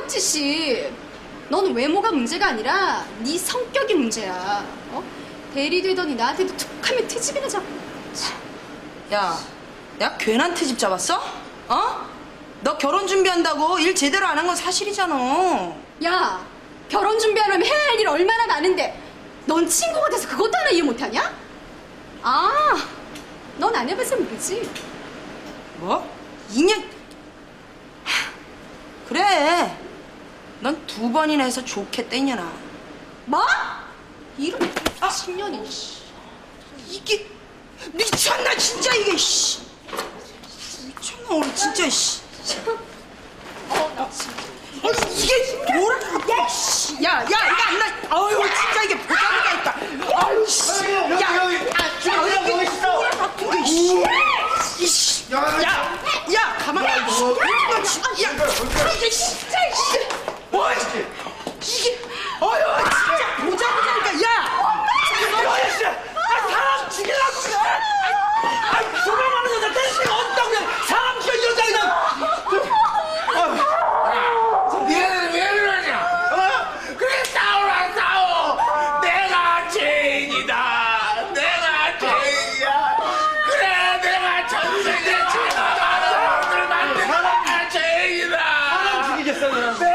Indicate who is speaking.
Speaker 1: 박지씨, 너는 외모가 문제가 아니라 네 성격이 문제야. 어? 대리 되더니 나한테도 툭하면 트집이나 잡고.
Speaker 2: 야, 내가 괜한 트집 잡았어? 어? 너 결혼 준비한다고 일 제대로 안 한 건 사실이잖아.
Speaker 1: 야, 결혼 준비하려면 해야 할 일 얼마나 많은데 넌 친구가 돼서 그것도 하나 이해 못하냐? 아, 넌 안 해봐서 모르지.
Speaker 2: 뭐? 2년? 그래. 넌 2번이나 해서 좋겠다, 이년아.
Speaker 1: 뭐? 이런 10년이.
Speaker 2: 이게 미쳤나 진짜 이게 씨. 미쳤나 오늘 진짜 씨.
Speaker 1: 나 진짜.
Speaker 2: 아니 이게 뭐라? 야 씨. 야 이거 안 나. 아유 진짜 이게 보자기가 있다. 아유 씨. 야 이게 뭐야 같은 게 씨. 이씨. 야 가만히 있어. 너 진짜. 야 이게 진짜 씨. 뭐 이게? 아유 진짜 보자기니까 야. 야 씨. 사람 죽이려고 그래. 아 수많은 여자 대신 어떤 그냥 사람 죽여 여자 그냥.
Speaker 3: 니네는 왜 그러냐? 어? 그래 싸우라 싸워. 내가 죄인이다. 내가 죄인이야. 그래 내가 전생에 죄가 많은 사람들 만든 내가 죄인이다.
Speaker 4: 죽이겠어 그럼.